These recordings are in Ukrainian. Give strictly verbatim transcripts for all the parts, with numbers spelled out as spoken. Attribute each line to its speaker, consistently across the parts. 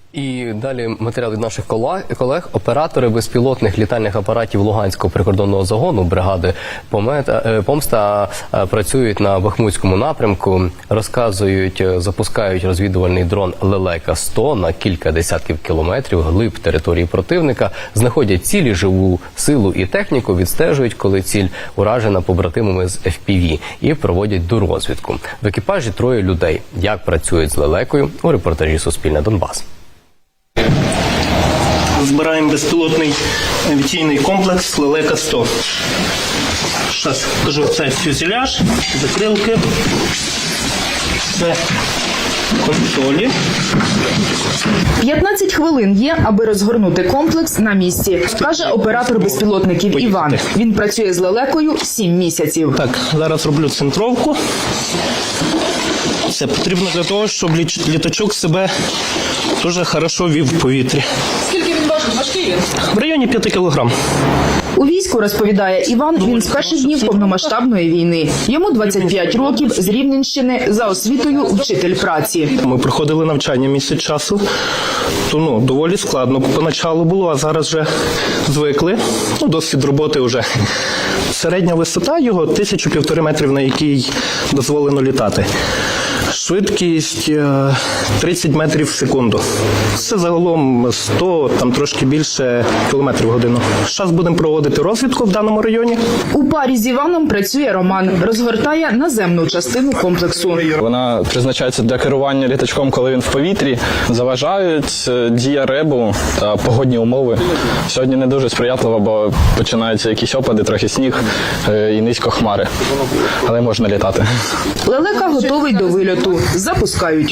Speaker 1: І далі матеріал від наших колег. Оператори безпілотних літальних апаратів Луганського прикордонного загону бригади «Помста» працюють на Бахмутському напрямку. Розказують, запускають розвідувальний дрон «Лелека сто» на кілька десятків кілометрів глиб території противника, знаходять цілі, живу силу і техніку, відстежують, коли ціль уражена побратимами з еф пі ві, і проводять дорозвідку. В екіпажі троє людей. Як працюють з «Лелекою» у репортажі «Суспільне Донбас».
Speaker 2: Збираємо безпілотний авіаційний комплекс «Лелека сто». Зараз кажу, це фюзеляж, закрилки, це консолі.
Speaker 3: п'ятнадцять хвилин є, аби розгорнути комплекс на місці, каже оператор безпілотників Іван. Він працює з «Лелекою» сім місяців.
Speaker 2: Так, зараз роблю центровку. Це потрібно для того, щоб літачок себе дуже хорошо вів в повітрі.
Speaker 3: Скільки він важить? Важкий він?
Speaker 2: В районі п'яти кілограм.
Speaker 3: У війську, розповідає Іван, він з перших днів повномасштабної війни. Йому двадцять п'ять років, з Рівненщини, за освітою вчитель праці.
Speaker 2: Ми проходили навчання місяць часу, то ну, доволі складно поначалу було, а зараз вже звикли. Ну, досвід роботи вже. Середня висота його тисячу півтори метрів, на якій дозволено літати. Швидкість тридцять метрів в секунду. Це загалом сто, там трошки більше кілометрів в годину. Зараз будемо проводити розвідку в даному районі.
Speaker 3: У парі з Іваном працює Роман. Розгортає наземну частину комплексу.
Speaker 4: Вона призначається для керування літачком, коли він в повітрі. Заважають дія ребу та погодні умови. Сьогодні не дуже сприятливо, бо починаються якісь опади, трохи сніг і низько хмари. Але можна літати.
Speaker 3: «Лелека» готовий до вильоту. Запускають.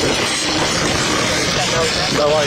Speaker 2: Давай.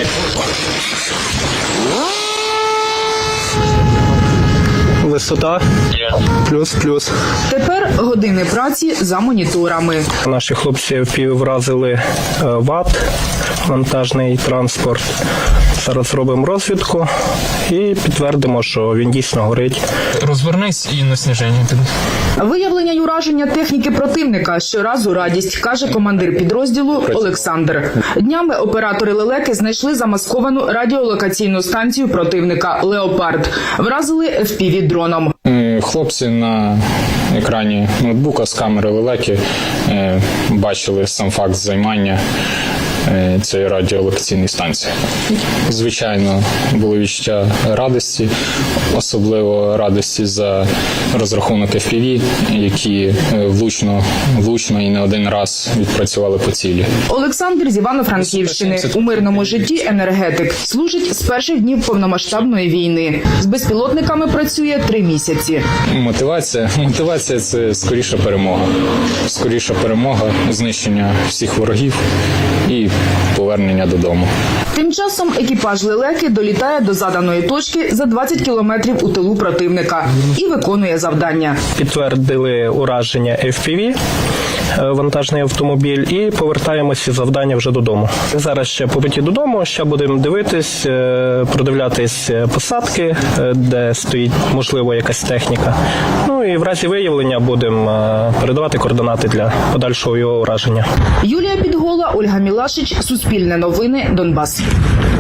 Speaker 2: Висота плюс-плюс.
Speaker 3: Тепер години праці за моніторами.
Speaker 2: Наші хлопці еф пі ві вразили ВАТ, вантажний транспорт. Зараз робимо розвідку і підтвердимо, що він дійсно горить.
Speaker 5: Розвернись і на сніження піде.
Speaker 3: Виявлення й ураження техніки противника щоразу радість, каже командир підрозділу Олександр. Днями оператори «Лелеки» знайшли замасковану радіолокаційну станцію противника «Леопард». Вразили еф пі ві дроном.
Speaker 5: Хлопці на екрані ноутбука з камери «Лелеки» бачили сам факт займання цієї радіолокаційної станції. Звичайно, було відчуття радості, особливо радості за розрахунок еф пі ві, які влучно, влучно і не один раз відпрацювали по цілі.
Speaker 3: Олександр з Івано-Франківщини. У мирному житті енергетик. Служить з перших днів повномасштабної війни. З безпілотниками працює три місяці.
Speaker 5: Мотивація? Мотивація – це скоріша перемога. Скоріша перемога, знищення всіх ворогів і повернення додому.
Speaker 3: Тим часом екіпаж «Лелеки» долітає до заданої точки за двадцять кілометрів у тилу противника і виконує завдання.
Speaker 2: Підтвердили ураження еф пі ві, вантажний автомобіль, і повертаємося з завдання вже додому. Зараз ще по путі додому, ще будемо дивитись, продивлятись посадки, де стоїть, можливо, якась техніка. Ну і в разі виявлення будемо передавати координати для подальшого його ураження.
Speaker 3: Юлія Підгола, Ольга Мілашич, Суспільне новини, Донбас.